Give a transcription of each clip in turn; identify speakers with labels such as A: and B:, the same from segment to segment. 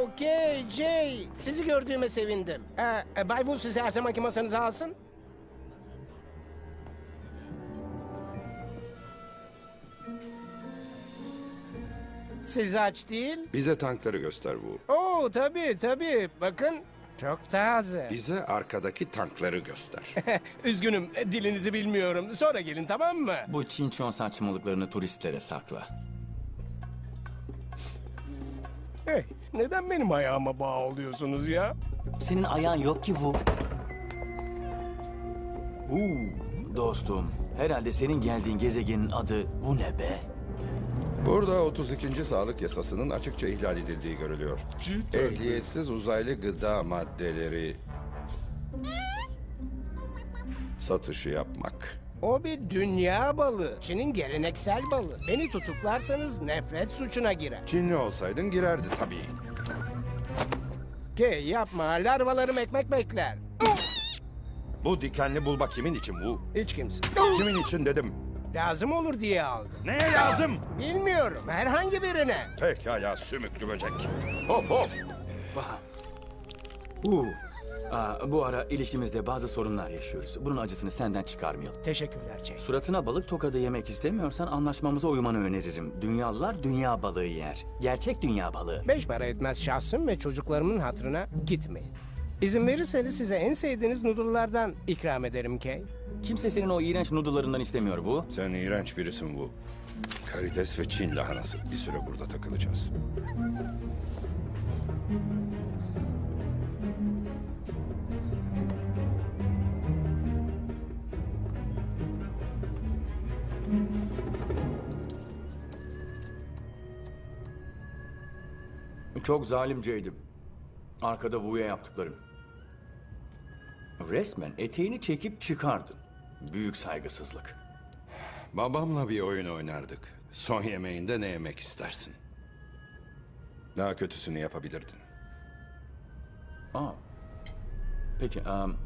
A: Okey Jay. Sizi gördüğüme sevindim. Bay Wu sizi her zamanki masanıza alsın. Siz aç değil.
B: Bize tankları göster bu.
A: Oo tabii. Bakın çok taze.
B: Bize arkadaki tankları göster.
A: Üzgünüm dilinizi bilmiyorum. Sonra gelin tamam mı?
C: Bu Çinçon saçmalıklarını turistlere sakla.
A: Hey, neden benim ayağıma bağlıyorsunuz ya?
C: Senin ayağın yok ki bu. Dostum, herhalde senin geldiğin gezegenin adı bu ne be?
B: Burada 32. sağlık yasasının açıkça ihlal edildiği görülüyor. Ehliyetsiz uzaylı gıda maddeleri satışı yapmak.
A: O bir dünya balığı. Çin'in geleneksel balığı. Beni tutuklarsanız nefret suçuna girer.
B: Çinli olsaydın girerdi tabii.
A: Yapma. Larvalarım ekmek bekler.
B: Bu dikenli bulma kimin için bu?
A: Hiç kimse.
B: Kimin için dedim.
A: Lazım olur diye aldım.
B: Neye lazım?
A: Bilmiyorum. Herhangi birine.
B: Pekala sümüklü böcek. Hop hop.
C: Bu ara ilişkimizde bazı sorunlar yaşıyoruz. Bunun acısını senden çıkarmayalım.
A: Teşekkürler Jay.
C: Suratına balık tokadı yemek istemiyorsan anlaşmamıza uymanı öneririm. Dünyalılar dünya balığı yer. Gerçek dünya balığı.
A: 5 para etmez şahsım ve çocuklarımın hatırına gitmeyin. İzin verirseniz size en sevdiğiniz noodle'lardan ikram ederim Kay.
C: Kimse senin o iğrenç noodle'larından istemiyor bu.
B: Sen iğrenç birisin bu. Karides ve Çin lahanası. Bir süre burada takılacağız.
C: Çok zalimceydim. Arkada Wu'ya yaptıklarım. Resmen eteğini çekip çıkardın. Büyük saygısızlık.
B: Babamla bir oyun oynardık. Son yemeğinde ne yemek istersin? Daha kötüsünü yapabilirdin.
C: Peki,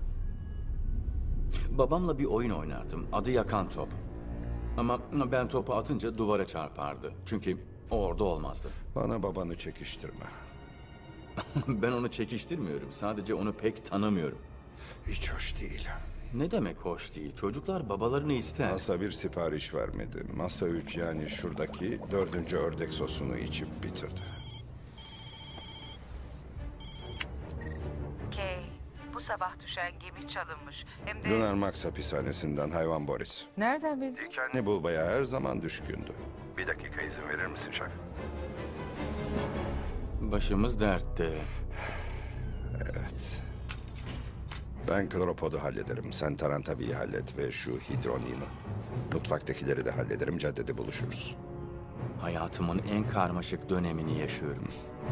C: babamla bir oyun oynardım. Adı Yakan Top. Ama ben topu atınca duvara çarpardı. Çünkü o orada olmazdı.
B: Bana babanı çekiştirme.
C: Ben onu çekiştirmiyorum. Sadece onu pek tanımıyorum.
B: Hiç hoş değil.
C: Ne demek hoş değil? Çocuklar babalarını ister.
B: Masa bir sipariş vermedi. Masa 3 yani şuradaki 4. ördek sosunu içip bitirdi.
D: Kay, bu sabah düşen gemi çalınmış. Hem de
B: Lunar Max hapishanesinden hayvan Boris.
D: nereden bildin?
B: Dikenli bulbaya her zaman düşkündü. Bir dakika izin verir misin şef?
C: Başımız dertte.
B: Evet. Ben kloropodu hallederim. Sen Tarantabi'yi hallet ve şu hidronimi. Mutfaktakileri de hallederim. Caddede buluşuruz.
C: Hayatımın en karmaşık dönemini yaşıyorum.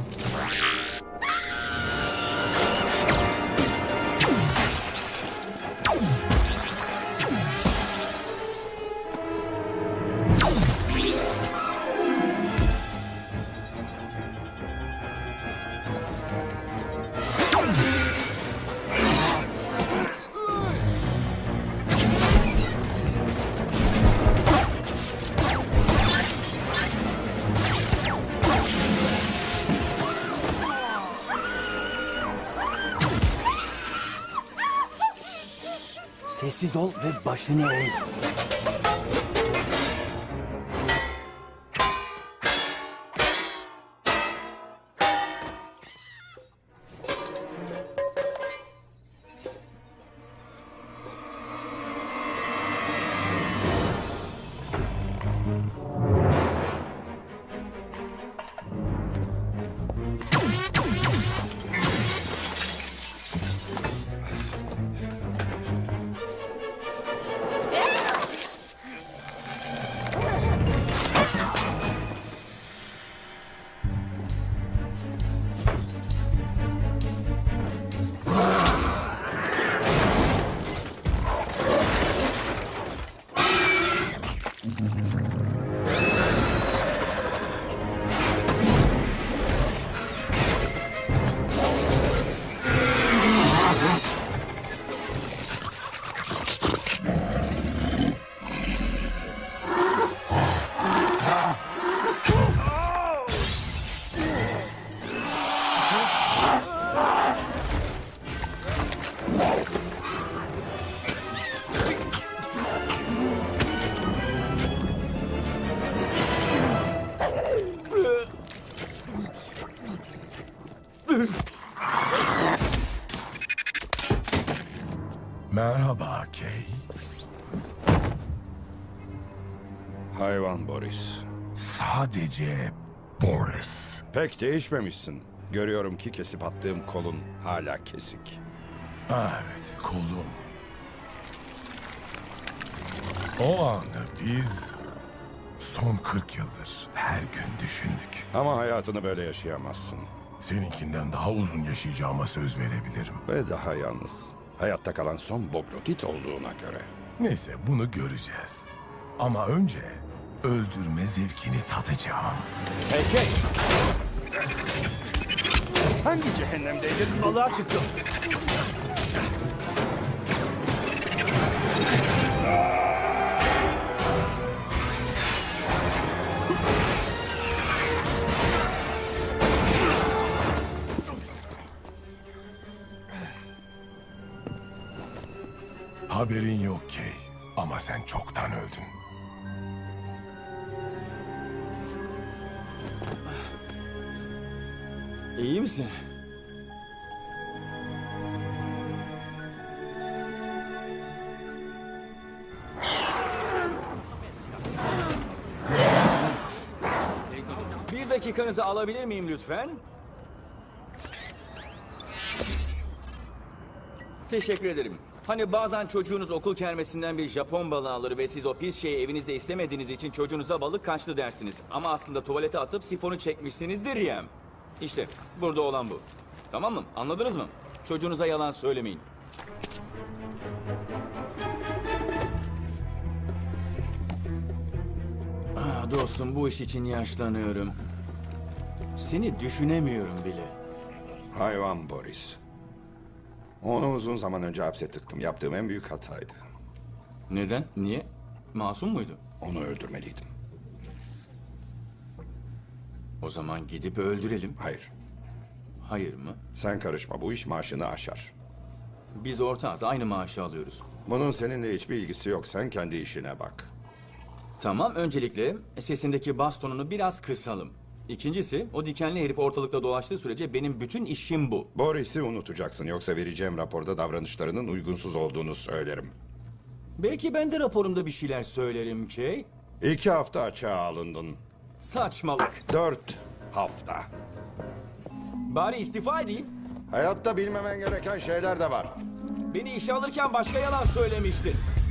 C: Sessiz ol ve başını eğ.
B: Hayvan Boris.
E: Sadece Boris.
B: Pek değişmemişsin. Görüyorum ki kesip attığım kolun hala kesik.
E: Evet, kolum. O anı biz son 40 yıldır her gün düşündük.
B: Ama hayatını böyle yaşayamazsın.
E: Seninkinden daha uzun yaşayacağıma söz verebilirim.
B: Ve daha yalnız. Hayatta kalan son Boglotit olduğuna göre.
E: Neyse, bunu göreceğiz. Ama önce öldürme zevkini tadacağım.
C: Hey,
B: Hangi cehennemdeydin?
C: balığa çıktım.
E: Haberin yok Kay. Ama sen çoktan öldün.
C: İyi misin? Bir dakikanızı alabilir miyim lütfen? Teşekkür ederim. Hani bazen çocuğunuz okul kermesinden bir Japon balığı alır ve siz o pis şeyi evinizde istemediğiniz için çocuğunuza balık kaçtı dersiniz. Ama aslında tuvalete atıp sifonu çekmişsinizdir ya. İşte burada olan bu. Tamam mı? Anladınız mı? Çocuğunuza yalan söylemeyin. Dostum, bu iş için yaşlanıyorum. Seni düşünemiyorum bile.
B: Hayvan Boris. Onu uzun zaman önce hapse tıktım. Yaptığım en büyük hataydı.
C: Neden? Niye? Masum muydu?
B: Onu öldürmeliydim.
C: O zaman gidip öldürelim.
B: Hayır.
C: Hayır mı?
B: Sen karışma. Bu iş maaşını aşar.
C: Biz ortağız, aynı maaşı alıyoruz.
B: Bunun seninle hiçbir ilgisi yok. Sen kendi işine bak.
C: Tamam, öncelikle sesindeki bastonunu biraz kısalım. İkincisi, o dikenli herif ortalıkta dolaştığı sürece benim bütün işim bu.
B: Boris'i unutacaksın. Yoksa vereceğim raporda davranışlarının uygunsuz olduğunu söylerim.
C: Belki ben de raporumda bir şeyler söylerim ki.
B: 2 hafta açığa alındın.
C: Saçmalık.
B: 4 hafta.
C: Bari istifa edeyim.
B: Hayatta bilmemen gereken şeyler de var.
C: Beni işe alırken başka yalan söylemiştin.